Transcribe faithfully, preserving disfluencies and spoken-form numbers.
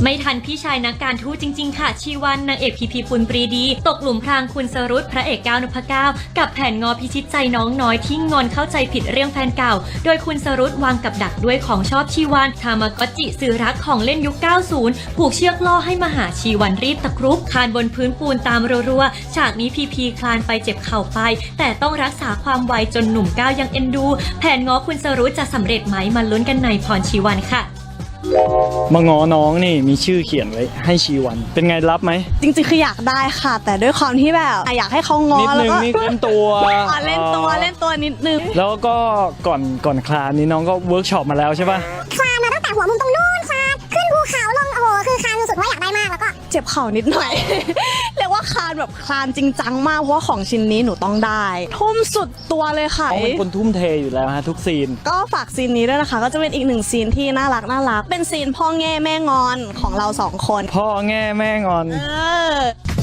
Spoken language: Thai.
ไม่ทันพี่ชายนักการทูตจริงๆค่ะชีวันนางเอกพีพีปุณปรีดีตกหลุมพรางคุณสรุตพระเอกก้าวนพเก้ากับแผนงอพิชิตใจน้องน้อยที่งอนเข้าใจผิดเรื่องแฟนเก่าโดยคุณสรุตวางกับดักด้วยของชอบชีวันทามากอจิสื่อรักของเล่นยุค เก้าสิบ ผูกเชือกล่อให้มาหาชีวันรีบตะครุบคานบนพื้นปูนตามรัวๆฉากนี้พีพีคลานไปเจ็บเข่าไปแต่ต้องรักษาความไวจนหนุ่มก้าวยังเอ็นดูแผนง้อคุณสรุตจะสำเร็จไหมมาลุ้นกันในพรชีวันค่ะมางอน้องนี่มีชื่อเขียนไว้ให้ชีวันเป็นไงรับไหมจริงๆคืออยากได้ค่ะแต่ด้วยความที่แบบอยากให้เขางอแล้วก็นิดนึงนี่เล่นตัวเล่นตัวเล่นตัวนิดนึงแล้วก็ก่อนก่อนคลานนี้น้องก็เวิร์กช็อปมาแล้วใช่ป่ะคลานมาตั้งแต่หัวมุมตรงนู้นคลานขึ้นภูเขาลงโอ้โหคือคลานสุดๆว่าอยากได้มากแล้วก็เจ็บเข่านิดหน่อย เรียกว่าคลานแบบคลานจริงจังมากเพราะว่าของชิ้นนี้หนูต้องได้ทุ่มสุดตัวเลยค่ะเขาเป็นคนทุ่มเทอยู่แล้วฮะทุกซีนก็ฝากซีนนี้ด้วยนะคะก็จะเป็นอีกหนึ่งซีนที่น่ารักน่ารักเป็นซีนพ่อแง่แม่งอนของเราสองคนพ่อแง่แม่งอนเออ